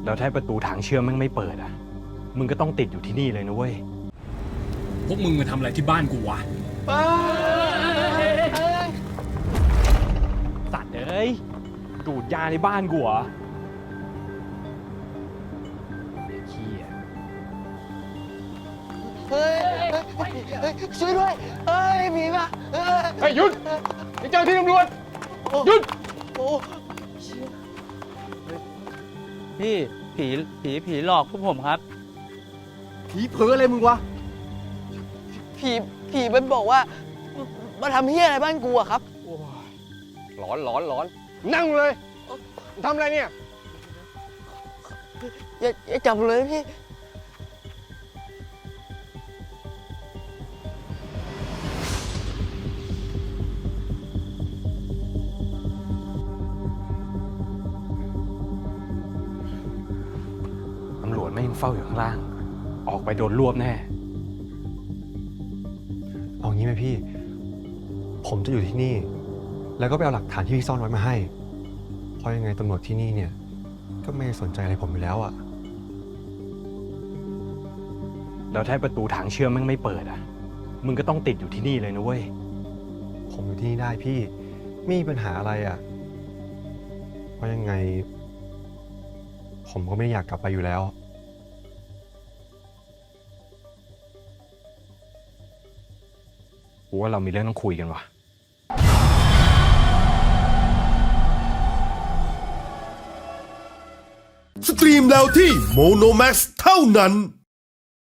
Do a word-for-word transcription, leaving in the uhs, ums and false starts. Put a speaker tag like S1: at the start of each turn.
S1: แล้วถ้าประตูทางเชื่อมแม่งไม่เปิดอ่ะมึงก็ต้องติดอยู่ที่นี่เลยนะเว้ย
S2: พวกมึงมาทำอะไรที่บ้านกูวะ
S1: สัตว์เอ้ยดูดยาในบ้านกูเหรอขี้อ่ะ
S3: เฮ้ยเฮ้ยช่วยด้วยเฮ้ยผีมาเฮ้ย
S2: เฮ้ยหยุดไอ้เจ้าที่ตำรวจหยุด
S3: โอ้
S4: พี่ผีผีผีหลอกพวกผมครับ
S3: ผีเผลออะไรมึงวะผีผีมันบอกว่ามาทำเฮี้ยอะไรบ้านกูอะครับ
S2: หลอนหลอนหลอนนั่งเลยทำอะไรเนี่ย
S3: อย่าอย่าจับเลยพี่
S1: ตำรวจไม่ยังเฝ้าอยู่ข้างล่างออกไปโดนรวบแน่
S5: เอางี้ไหมพี่ผมจะอยู่ที่นี่แล้วก็ไปเอาหลักฐานที่พี่ซ่อนไว้มาให้เพราะยังไงตำรวจที่นี่เนี่ยก็ไม่สนใจอะไรผมอยู่แล้วอะ
S1: แล้วถ้าประตูทางเชื่อมแม่งไม่เปิดอ่ะมึงก็ต้องติดอยู่ที่นี่เลยนะเว้ย
S5: ผมอยู่ที่นี่ได้พี่ไม่มีปัญหาอะไรอะเพราะยังไงผมก็ไม่อยากกลับไปอยู่แล้ว
S1: กูว่าเรามีเรื่องต้องคุยกันว่ะ
S6: สตรีมแล้วที่โมโนแม็กซ์เท่านั้น